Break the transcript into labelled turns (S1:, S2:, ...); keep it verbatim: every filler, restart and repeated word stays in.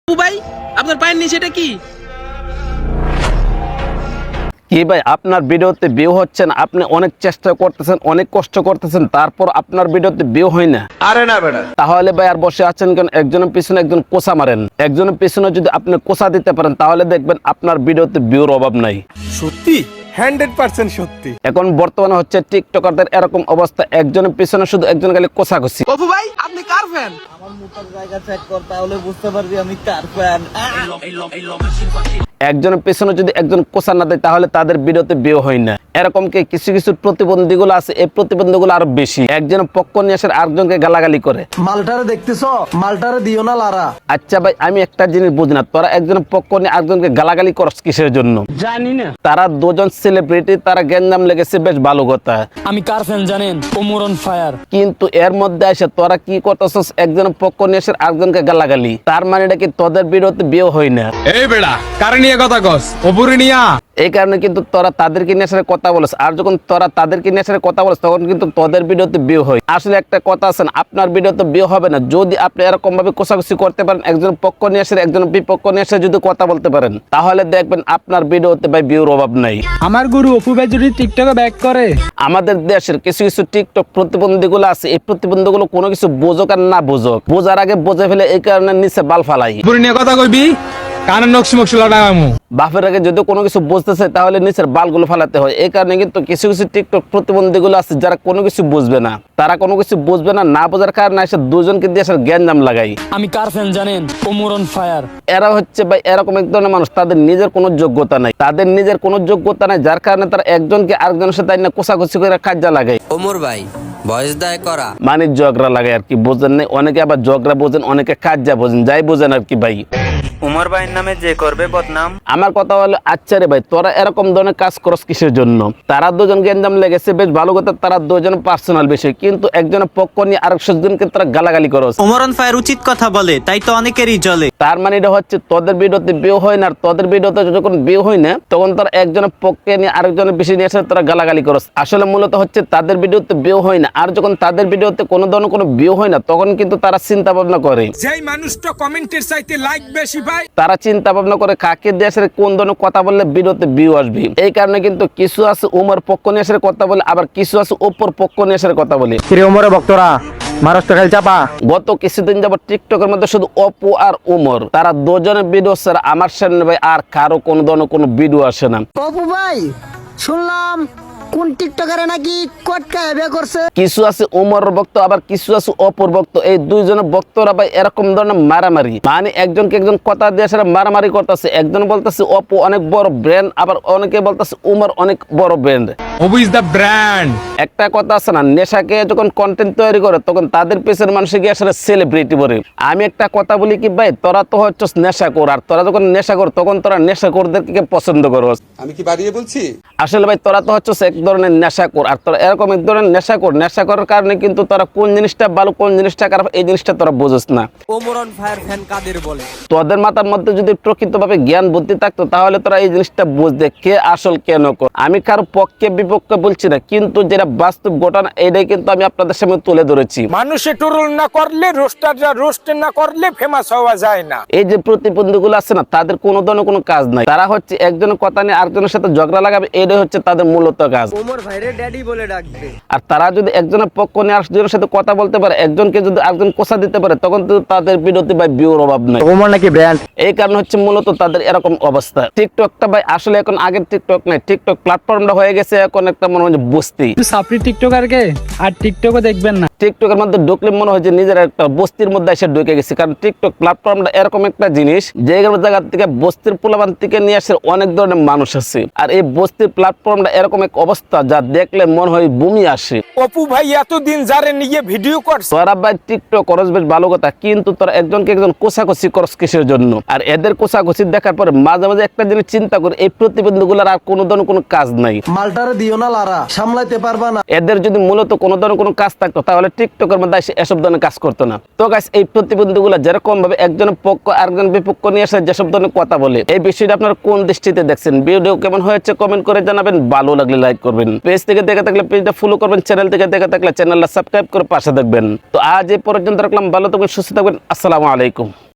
S1: ও ভাই আপনার পায়ের নিচে এটা কি?
S2: কি ভাই আপনার ভিডিওতে ভিউ হচ্ছে না, আপনি অনেক চেষ্টা করতেছেন, অনেক কষ্ট করতেছেন, তারপর আপনার ভিডিওতে ভিউ হয় না?
S3: আরে না বেটা,
S2: তাহলে ভাই আর বসে আছেন কেন? একজনের পিছনে একজন কোসা মারেন। একজনের পিছনে যদি আপনি কোসা দিতে পারেন তাহলে দেখবেন আপনার ভিডিওতে ভিউর অভাব নাই।
S3: সত্যি হান্ড্রেড পার্সেন্ট সত্যি।
S2: এখন বর্তমানে হচ্ছে টিকটকারদের এরকম অবস্থা, একজনের পিছনে শুধু একজন খালি কোসাকুসি।
S1: অপু ভাই আপনি কার ফ্যান?
S4: আমার মুখের জায়গা চেক কর, তাহলে বুঝতে পারবি আমি কার ফ্যান।
S2: একজনের পেছনে যদি একজন কোসা না দেয় তাহলে তাদের ভিডিওতে ভিউ হয় না। এরকম কি কিছু কিছু প্রতিবন্ধীগুলো আছে, এই প্রতিবন্ধীগুলো আরো বেশি। একজন পক্ষ নিয়ে আসে আরেকজনকে গালাগালি করে।
S5: মালটারে দেখতেছ, মালটারে দিও না লারা।
S2: আচ্ছা ভাই আমি একটা জিনিস বুঝি না, তোরা একজনের পক্ষ নিয়ে আরেকজনকে গালাগালি করস কিসের জন্য?
S6: জানি না।
S2: তারা দুজন সেলিব্রিটি, তারা গ্যাঞ্জাম লেগেছে, বেশ ভালো কথা।
S6: আমি কার ফ্যান জানেন? Omar on fire.
S2: কিন্তু এর মধ্যে এসে তোরা কি করতেছস? একজনের পক্ষ নিয়ে এসে আরেকজনকে গালাগালি। তার মানে এটা কি তোদের ভিডিওতে ভিউ হয় না?
S3: এই বেটা কারে নিয়ে কথা কস? অপুরে নিয়া।
S2: এই কারণে কিন্তু তোরা তাদেরকে নিয়ে এসে কথা বলছ, আর যখন তোরা তাদেরকে নিয়ে এসে কথা বলছ তখন কিন্তু তোদের ভিডিওতে ভিউ হয়। আসলে একটা কথা আছে না, আপনার ভিডিওতে ভিউ হবে না যদি আপনি এরকম ভাবে কোষাকুষি করতে পারেন, একজন পক্ষ নিয়ে এসে একজন বিপক্ষ নিয়ে এসে যদি কথা বলতে পারেন তাহলে দেখবেন আপনার ভিডিওতে ভাই ভিউর অভাব নাই।
S6: আমার গুরু অপু ভাই যদি টিকটকে ব্যাক করে,
S2: আমাদের দেশের কিছু কিছু টিকটক প্রতিবন্ধীগুলো আছে, এই প্রতিবন্ধীগুলো কোনো কিছু বোঝক আর না বোঝক, বোঝার আগে বোঝে ফেলে, এই কারণে নিচে বাল ফালাই।
S3: অপুরে নিয়ে কথা কইবি, কানের নকশি মকশি লাগামু।
S2: বাপের আগে যদি কোনো কিছু বুঝতে চায় তাহলে নিচের বালগুলো ফালাতে হয়। এই কারণে কিন্তু কিছু কিছু টিকটক প্রতিবন্ধীগুলো আছে যারা কোনো কিছু বুঝবে না, তারা কোনো কিছু বুঝবে না, না বোঝার কারণে এসে দুজনকে দিয়ে এসে জ্ঞানজাম লাগাই।
S6: আমি কার ফ্যান জানেন? Omar on fire.
S2: এরা হচ্ছে ভাই এরকম এক ধরনের মানুষ, তাদের নিজের কোনো যোগ্যতা নাই, তাদের নিজের কোনো যোগ্যতা নাই, যার কারণে তারা একজনকে আরেকজনের সাথে না কোষাকুষি করে কাজা লাগায়।
S7: ওমর ভাই ভয়েস দায় করা
S2: মানে ঝগড়া লাগায় আর কি, বোঝেন নাই? অনেকে আবার ঝগড়া বোঝেন, অনেকে কাজা বোঝেন, যাই বোঝেন আর কি ভাই।
S7: উমর ভাইয়ের নামে যে করবে বদনাম।
S2: আমার কথা হলো আচ্ছা রে ভাই, তোরা এরকম ধরনের কাজ করস কিসের জন্য? তারা দুজন গেঞ্জাম লেগেছে, বেশ ভালো কথা, তারা দুজন পার্সোনাল বিষয়, কিন্তু একজনের পক্ষ নিয়ে আরেকজনকে তারা গালাগালি করস।
S4: ওমর অন ফায়ার উচিত কথা বলে, তাই তো অনেকেরই জ্বলে।
S2: তার মানে এটা হচ্ছে তোদের ভিডিওতে ভিউ হয় না, আর তোদের ভিডিওতে যখন ভিউ হয় না তখন তারা একজনের পক্ষে নিয়ে আরেকজনের বিষয় নিয়ে এসে তারা গালাগালি করস। আসলে মূলত হচ্ছে তাদের ভিডিওতে ভিউ হয় না, আর যখন তাদের ভিডিওতে কোনো ধরনের কোনো ভিউ হয় না তখন কিন্তু তারা চিন্তা ভাবনা করে,
S3: যেই মানুষটা কমেন্টের চাইতে লাইক বেশি পায়,
S2: তারা চিন্তা ভাবনা করে কাকে দেশের কোন ধরনের কথা বললে ভিডিওতে ভিউ আসবে। এই কারণে কিন্তু কিছু আছে উমর পক্ষ নিয়ে এসে কথা বলে, আবার কিছু আছে ওপর পক্ষ নিয়ে এসে কথা বলে।
S5: ওমরের ভক্তরা মহারাষ্ট্র খেল চাপা।
S2: গত কিছুদিন যাবত টিকটকের মধ্যে শুধু অপু আর উমর, তারা দুজনের ভিডিও ছাড়া আমার সামনে ভাই আর কারো কোনো ধরনের কোনো ভিডিও আসে না।
S8: অপু ভাই শুনলাম কোন টিকটকারে নাকি কটকা বিয়ে করছে।
S2: কিছু আছে উমরের ভক্ত, আবার কিছু আছে অপুর ভক্ত। এই দুইজনের ভক্তরা ভাই এরকম ধরনের মারামারি, মানে একজনকে একজন কথা দিয়ে সেটা মারামারি করতেছে। একজন বলতেছে অপু অনেক বড় ব্র্যান্ড, আবার অনেকে বলতেছে উমর অনেক বড় brand.
S3: Apu is the brand.
S2: একটা কথা আছে না, নেশাকে যখন কন্টেন্ট তৈরি করে তখন তাদের পেছনের মানুষ গিয়ে আসলে সেলিব্রিটি বলে। আমি একটা কথা বলি কি ভাই, তোরা তো হচ্ছে নেশাখোর, আর তোরা যখন নেশাখোর তখন তোরা নেশাখোরদেরকে পছন্দ করো।
S9: আমি কি বাড়িয়ে বলছি?
S2: আসলে ভাই তোরা তো হচ্ছে এক ধরনের নেশাখোর, আর তোরা এরকম এক ধরনের নেশাখোর। নেশা করার কারণে কিন্তু তোরা কোন জিনিসটা ভালো কোন জিনিসটা খারাপ এই জিনিসটা তোরা বুঝিস না।
S7: ওমর অন ফায়ার ফ্যান কাদের বলে?
S2: তোদের মাথার মধ্যে যদি প্রকৃতভাবে জ্ঞান বুদ্ধি থাকতো তাহলে তোরা এই জিনিসটা বুঝতে কে আসল কে নকল। আমি কারো পক্ষে বিপক্ষে বলছি না, কিন্তু যেটা বাস্তব ঘটনা এটাই কিন্তু আমি আপনাদের সামনে তুলে ধরেছি।
S3: মানুষে টুরুল না করলে, রোস্টাররা রোস্ট না করলে ফেমাস হওয়া যায় না।
S2: এই যে প্রতিবন্ধীগুলো আছে না, তাদের কোনো ধরনের কোনো কাজ নাই, তারা হচ্ছে একজনের কথা নিয়ে আরেকজনের সাথে ঝগড়া লাগাবে, এটাই হচ্ছে তাদের মূলত কাজ।
S4: ওমর ভাইরে ড্যাডি বলে ডাকবে।
S2: আর তারা যদি একজনের পক্ষ নিয়ে আরেকজনের সাথে কথা বলতে পারে, একজনকে যদি আরেকজন কোষা দিতে পারে তখন তো তাদের বিরতি ভাই ভিউর অভাব নাই।
S5: ওমর নাকি ব্র্যান্ড,
S2: এই কারণে হচ্ছে মূলত তাদের এরকম অবস্থা। টিকটকটা ভাই আসলে এখন আগের টিকটক নাই, টিকটক প্ল্যাটফর্মটা হয়ে গেছে এখন একটা মনে হয় বস্তি।
S6: সাপড়ি টিকটকারকে আর টিকটকও দেখবেন না।
S2: টিকটকের মধ্যে ঢুকলে মনে হয় যে নিজের একটা বস্তির মধ্যে এসে ঢুকে গেছে, কারণ টিকটক প্ল্যাটফর্মটা এরকম একটা জিনিস যে জায়গা থেকে বস্তির পোলাবান থেকে নিয়ে আসে অনেক ধরনের মানুষ আছে। আর এই বস্তির প্ল্যাটফর্মটা এরকম এক অবস্থা যা দেখলে মনে হয় বমি আসে।
S3: অপু ভাই এতদিন যারে নিয়ে ভিডিও করছে,
S2: তোরা ভাই টিকটক করস বেশ ভালো কথা, কিন্তু তোরা একজনকে একজন কোষাকষি করস কিসের জন্য? আর এদের কোষাকষি দেখার পরে মাঝে মাঝে একটা জিনিস চিন্তা করে, এই প্রতিবন্ধীগুলোর আর কোনো ধরনের কোনো কাজ নাই।
S5: মালটারে দিও না লারা, সামলাইতে পারবা না।
S2: এদের যদি মূলত কোনো ধরনের কোনো কাজ থাকতো তাহলে টিকটকের মধ্যে এসে এসব ধরনের কাজ করতো না। তো গাইস এই প্রতিবন্ধীগুলো যেরকম ভাবে একজনের পক্ষ আরেকজন বিপক্ষ নিয়ে এসে যেসব ধরনের কথা বলে, এই বিষয়টা আপনারা কোন দৃষ্টিতে দেখছেন? ভিডিও কেমন হয়েছে কমেন্ট করে জানাবেন, ভালো লাগলে লাইক করবেন, পেজ থেকে দেখে থাকলে পেজটা ফলো করবেন, চ্যানেল থেকে দেখে থাকলে চ্যানেলটা সাবস্ক্রাইব করে পাশে দেখবেন। তো আজ এই পর্যন্ত রাখলাম, ভালো থাকবেন, সুস্থ থাকবেন, আসসালামু আলাইকুম।